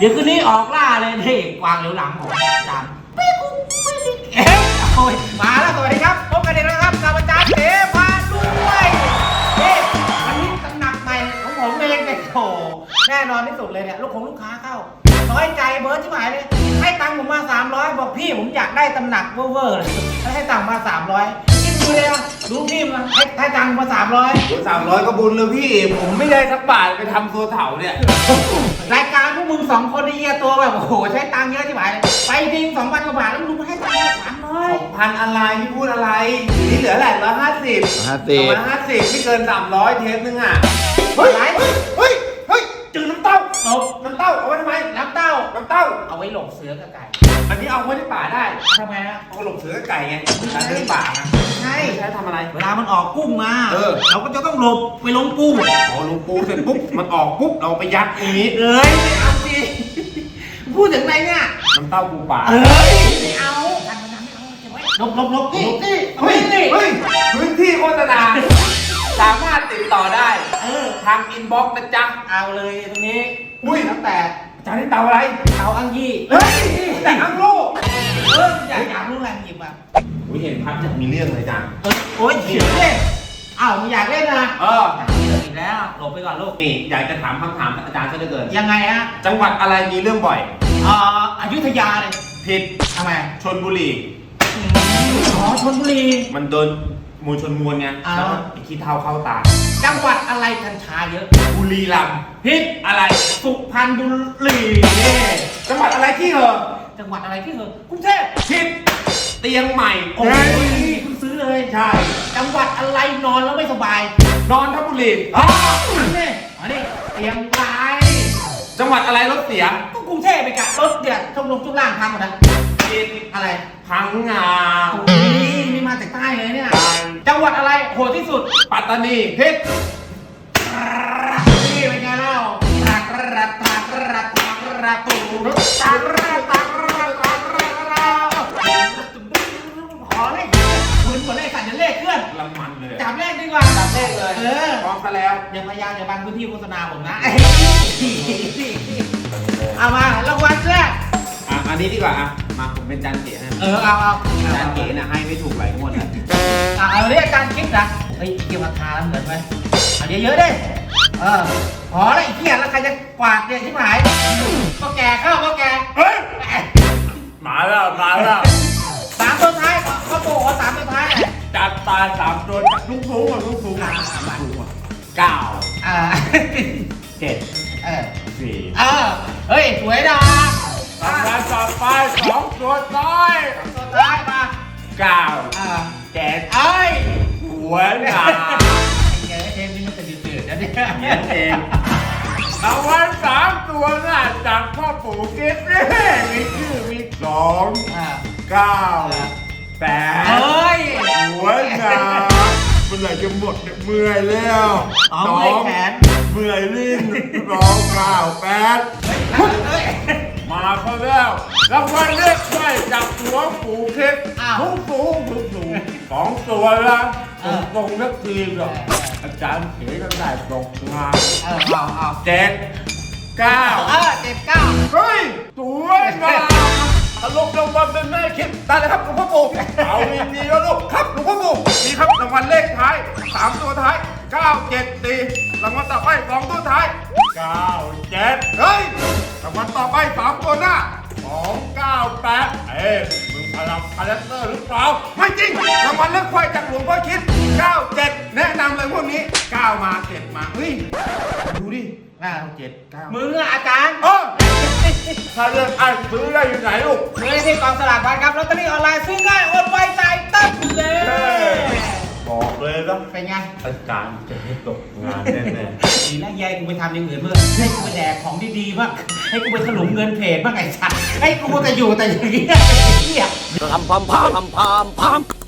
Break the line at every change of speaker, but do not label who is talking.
เดี๋ยวคืนนี้ออกล่าเลยนี่กวางเหลียวหลังของอาจารย์เอ๊ะโอ้ยมาแล้วสวัสดีครับพบกันอีกแล้วครับกับอาจารย์เสพาด้วยนี่วันนี้ตำหนักใหม่ของผมเองเป็นโถแน่นอนที่สุดเลยเนี่ยลูกค้าเข้าน้อยใจเบิร์ดใช่ไหมเลยให้ตังค์ผมมา300บอกพี่ผมอยากได้ตำหนักเวอร์เลยให้ตังค์มา300คิดดูเลยนะดูพี่มาให้ตังค์มา300
ก็บุญเลยพี่ผมไม่ได้สักบาทไปทำตัวเถาเนี่ย
รายการพวกมึง2คนไอ้เหี้ยตัวแบบโอ้โหใช้ตังค์เยอะใช่ไหมไปทิ้ง2,000 กว่าบาทแล้วลุงมาให้ตังค์
2,000อะไรพี่พูดอะไรอยู่นี่เหลือแหละ150ไม่เกิน300เทปนึงอ่ะเฮ้ยจืดน้ำเต้าเอาไว้ทำไม
น้ำเต้าเอาไว้หลบเสือกับไก่
อันนี้เอาไว้ในป่าได้
ทำไมนะ
เอาหลบเสือกับไก่ไงการเดินป่านะ
ใช่
ทำอะไร
เวลามันออกกุ้งมาเราก็จะต้องหลบไปลงกุ้ง
ลงปูเสร็จปุ๊บมันออกปุ๊บเราไปยัดอย่างนี้
ไม่เอาสิพูดถึงไรเนี่ย
น้ำเต้าปูป่า
ไม่เอาลบนี่
พื้นที่โฆษณาสามารถติดต่อได้ทางอินบ็อกซ์นะจ๊ะ
เอาเลยตรงนี้ตั้งแต่
อาจารย์นี่เตาอะไร
เตาอังยี่
แต่อังโล
อยากรู้อะไรหยิบมา
เห็นพัดจะมีเรื่องเลยจัง
โอ้ยเขียวเล่นมึงอยากเล่นนะอีกแล้วหลบไปก่อนลูก
นี่อยากจะถามคำถามอาจารย์ซะเหลือเกิน
ยังไงฮะ
จังหวัดอะไรมีเรื่องบ่อย
อยุธยาเลย
ผิด
ทำไม
ชลบุรี
ชลบุรี
มันโดนมูลชนมวลไงแล้วไอ้ขี้เท้าเข้าตา
จังหวัดอะไรกัญชาเยอะ
บุรีรัมย์
ผิด
อะไร
สุพรรณบุรี
จังหวัดอะไรที่เหรอ
จังหวัดอะไรที่เหรอกรุงเทพ
ผิดเตียงใหม่
โอ้ยเพิ่งซื้อเลย
ใช่
จังหวัดอะไรนอนแล้วไม่สบาย
นอนทบุรี
นี่เตียงไม้
จังหวัดอะไรรถเสีย
ก็กรุงเทพไปกะรถเดือดช่วงล่างพังหมดนะอะไร
พังงา
นี่มาจากใต้เลยเนี่ยจังหวัดอะไรโหดที่สุด
ปัตตานี
เพชรนี่เป็นไงเล่าขอเลขเหมือนเลขสั่นจะเลขเคลื่อน
ลำมันเลย
จับเลขดีกว่า
จับเลขเลยพร้อมกันแล้ว
อย่าพยายามอย่าบังพื้นที่โฆษณาผมนะเอามารางวัลแรก
อันนี้ดีกว่ามาผมเป็นจานเก๋นะ
เอา
จานเก๋นะให้ไม่ถูกหลายงวดแล้ว
เอาเรียกจานกิ๊กนะเฮ้ยเกี่ยวกับทาเหมือนไหมเอาเยอะๆดิพอแล้วไอ้เหี้ยแล้วใครจะกวาดเนี่ยชิบหายก็แก่เข้าก็แก่
มาแล้ว
3 ตัวท้ายก็โต3 ตัวท้าย
จัดตา3 ตัวลูกสูง9 7 4
เฮ้ยสวยนะ
รางวัลต่อไป2 ตัวท้าย
มา
9 7หัวหนา
เทมนี่มันจะดืดๆนะ
เนี่ยเองรางวัล3 ตัวน่ะจากพ่อปู่กิ๊ฟมีชื่อมี2 9 8หัวหนาเมื่อไหร่จะหมดเนี่ยเมื่อยแล้ว
แขน
เมื่อยลิ้น9 8มาเขาแล้วรางวัลเลขได้จากหัวปู่กิ๊ฟสูง2 ตัวละตรงนักทีมหรออาจารย์เขียนกันได้ตกงาน7 9
เฮ้ย
สวยงามอารมณ์รางวัลเป็นแม่คิดได้เลยครับหลวงพ่อปู่เอามีแล้วลูกครับหลวงพ่อปู่มีครับรางวัลเลขท้าย3 ตัวท้าย9 7 4รางวัลต่อไป2 ตัวท้าย9 7เฮ้ยรางวัลต่อไป3 ตัวหน้า2 9 8มึงพลังคาแรคเตอร์หรือเปล่าไม่จริงรางวัลเลขควายจากหลวงพ่อคิด9 7แนะนำเลยพวกนี้9 มา7มาเฮ้ยดูดิ
9 7 9มึงอาจารย์
ถ้าเรื่องซื้อได้อยู่ไหนลูก
ซื้อที่กองสลากพัดครับลอตเตอรี่ออนไลน์ซื้อง่ายโอนไวจ่ายตั้งเลย
บอกเลยนะ
เป็นไง
อาจารย์จะให้ตกงานแน่
ๆดีแล้วยายกูไปทำอย่างอื่นเมื่อให้กูไปแดกของดีๆบ้างให้กูไปถลุงเงินเพจบ้างไอ้สัตว์ให้กูแต่อยู่แต่อย่างเงี้ย
พาม